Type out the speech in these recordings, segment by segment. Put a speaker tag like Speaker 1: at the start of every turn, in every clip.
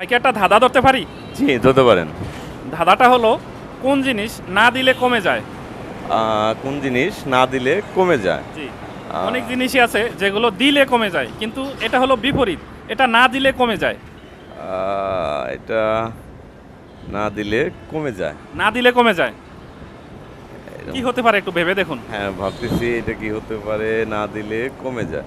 Speaker 1: ভাইকে একটা ধাঁধা ধরতে পারি?
Speaker 2: জি, ধরতে পারেন।
Speaker 1: ধাঁধাটা হলো, কোন জিনিস না দিলে কমে যায়?
Speaker 2: কোন জিনিস না দিলে কমে যায়?
Speaker 1: জি।
Speaker 2: আহ,
Speaker 1: অনেক জিনিসই আছে যেগুলো দিলে কমে যায়, কিন্তু এটা হলো বিপরীত। এটা না দিলে কমে যায়।
Speaker 2: এটা না দিলে কমে যায়।
Speaker 1: না দিলে কমে যায়।
Speaker 2: এরকম।
Speaker 1: কি হতে পারে একটু ভেবে দেখুন।
Speaker 2: হ্যাঁ, ভাবতেছি এটা কি হতে পারে না দিলে কমে যায়।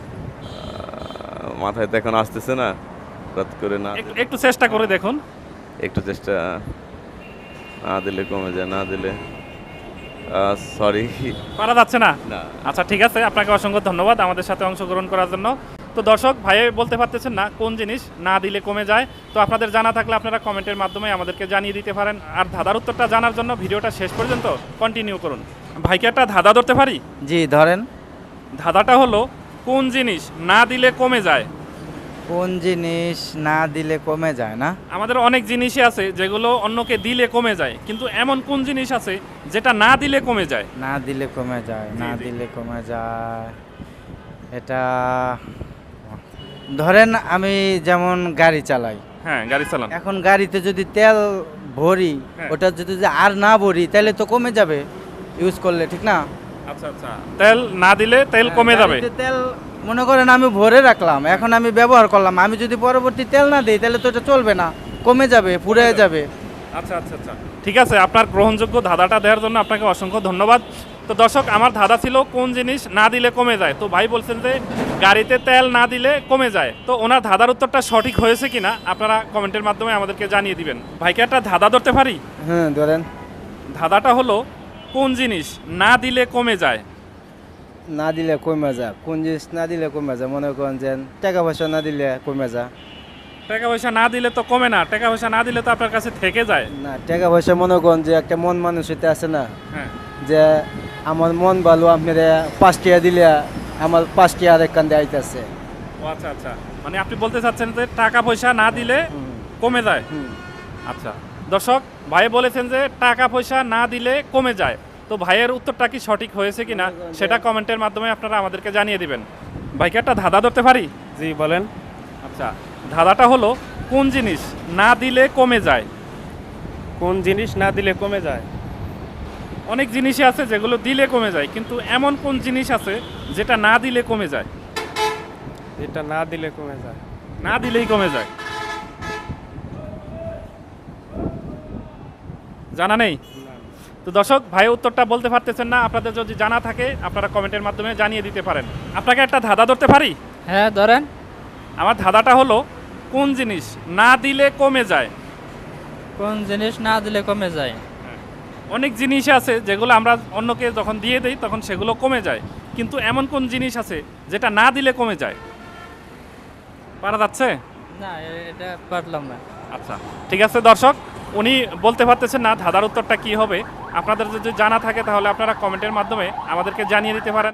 Speaker 2: মাথায় তো এখন আসতেছে না, হঠাৎ করে না
Speaker 1: একটু একটু চেষ্টা করে দেখুন।
Speaker 2: একটু চেষ্টা। না দিলে কমে যায়, না দিলে সরি।
Speaker 1: পারা যাচ্ছে না?
Speaker 2: না।
Speaker 1: আচ্ছা, ঠিক আছে, আপনাকে অসংখ্য ধন্যবাদ আমাদের সাথে অংশগ্রহণ করার জন্য। তো দর্শক ভাই বলতে পারতেছেন না কোন জিনিস না দিলে কমে যায়। তো আপনাদের জানা থাকলে আপনারা কমেন্টের মাধ্যমে আমাদেরকে জানিয়ে দিতে পারেন। আর ধাঁধার উত্তরটা জানার জন্য ভিডিওটা শেষ পর্যন্ত কন্টিনিউ করুন। ভাইকে একটা ধাঁধা ধরতে পারি?
Speaker 3: জি ধরেন।
Speaker 1: ধাঁধাটা হলো, কোন জিনিস না দিলে কমে যায়?
Speaker 3: কোন জিনিস না দিলে কমে যায় না?
Speaker 1: আমাদের অনেক জিনিসই আছে যেগুলো অন্যকে দিলে কমে যায়, কিন্তু এমন কোন জিনিস আছে যেটা না দিলে কমে যায়?
Speaker 3: না দিলে কমে যায়,
Speaker 1: জি,
Speaker 3: না
Speaker 1: জি।
Speaker 3: দিলে কমে যায়। এটা ধরেন আমি যেমন গাড়ি চালাই,
Speaker 1: হ্যাঁ, গাড়ি চালান।
Speaker 3: এখন গাড়িতে যদি তেল ভরি,
Speaker 1: হ্যাঁ।
Speaker 3: ওটা যদি আর না ভরি তাহলে তো কমে যাবে ইউজ করলে, ঠিক না?
Speaker 1: আচ্ছা আচ্ছা, তেল না দিলে তেল কমে যাবে।
Speaker 3: গাড়িতে তেল মনে করেন আমি ভরে রাখলাম, এখন আমি ব্যবহার করলাম, আমি যদি পরবর্তী তেল না দিই তাহলে তো এটা চলবে না, কমে যাবে, ফুরে যাবে।
Speaker 1: আচ্ছা আচ্ছা আচ্ছা, ঠিক আছে, আপনার গ্রহণযোগ্য ধাঁধাটা দেওয়ার জন্য আপনাকে অসংখ্য ধন্যবাদ। তো দর্শক, আমার ধাঁধা ছিল কোন জিনিস না দিলে কমে যায়। তো ভাই বলছেন যে গাড়িতে তেল না দিলে কমে যায়। তো ওনার ধাঁধার উত্তরটা সঠিক হয়েছে কিনা আপনারা কমেন্টের মাধ্যমে আমাদেরকে জানিয়ে দিবেন। ভাইকে একটা ধাঁধা ধরতে পারি?
Speaker 3: হ্যাঁ ধরেন।
Speaker 1: ধাঁধাটা হলো, কোন জিনিস না দিলে কমে যায়?
Speaker 3: না দিলে কমে যায়, কোন জিনিস না দিলে কমে যায়? মনে করেন যে টাকা পয়সা না দিলে কমে যায়।
Speaker 1: টাকা পয়সা না দিলে তো কমে না, টাকা পয়সা না দিলে তো আপনার কাছে থেকে যায়।
Speaker 3: না, টাকা পয়সা মনে করেন যে একটা মন মানুষতে আছে না,
Speaker 1: হ্যাঁ।
Speaker 3: যে আমার মন ভালো, আপনারা 5 টাকা দিলে আমার 5 টাকা আরেক কান্দে আইতেছে।
Speaker 1: ও আচ্ছা আচ্ছা, মানে আপনি বলতে চাচ্ছেন যে টাকা পয়সা না দিলে কমে যায়। আচ্ছা দর্শক, ভাই বলেছেন যে টাকা পয়সা না দিলে কমে যায়। তো ভাইয়ের উত্তরটা কি সঠিক হয়েছে কিনা সেটা কমেন্টের মাধ্যমে আপনারা আমাদেরকে জানিয়ে দিবেন। ভাইকে একটা ধাঁধা ধরতে পারি?
Speaker 4: জি বলেন।
Speaker 1: আচ্ছা, ধাঁধাটা হলো, কোন জিনিস না দিলে কমে যায়?
Speaker 4: কোন জিনিস না দিলে কমে যায়?
Speaker 1: অনেক জিনিসই আছে যেগুলো দিলে কমে যায়, কিন্তু এমন কোন জিনিস আছে যেটা না দিলে কমে যায়?
Speaker 4: যেটা না দিলে কমে যায়।
Speaker 1: না দিলেই কমে যায়। জানা নেই? তো দর্শক, ভাই উত্তরটা বলতে পারতেছেন না। আপনাদের যদি জানা থাকে আপনারা কমেন্টের মাধ্যমে জানিয়ে দিতে পারেন। আপনাকে একটা ধাঁধা ধরতে পারি?
Speaker 5: হ্যাঁ ধরেন।
Speaker 1: আমার ধাঁধাটা হলো, কোন জিনিস না দিলে কমে যায়?
Speaker 5: কোন জিনিস না দিলে কমে যায়?
Speaker 1: অনেক জিনিস আছে যেগুলো আমরা অন্যকে যখন দিয়ে দেই তখন সেগুলো কমে যায়, কিন্তু এমন কোন জিনিস আছে যেটা না দিলে কমে যায়? পারা যাচ্ছে?
Speaker 5: না, এটা পারলাম না।
Speaker 1: আচ্ছা, ঠিক আছে দর্শক, উনি বলতে পারতেছেন না ধাঁধার উত্তরটা কি হবে। আপনাদের যদি জানা থাকে তাহলে আপনারা কমেন্টের মাধ্যমে আমাদেরকে জানিয়ে দিতে পারেন।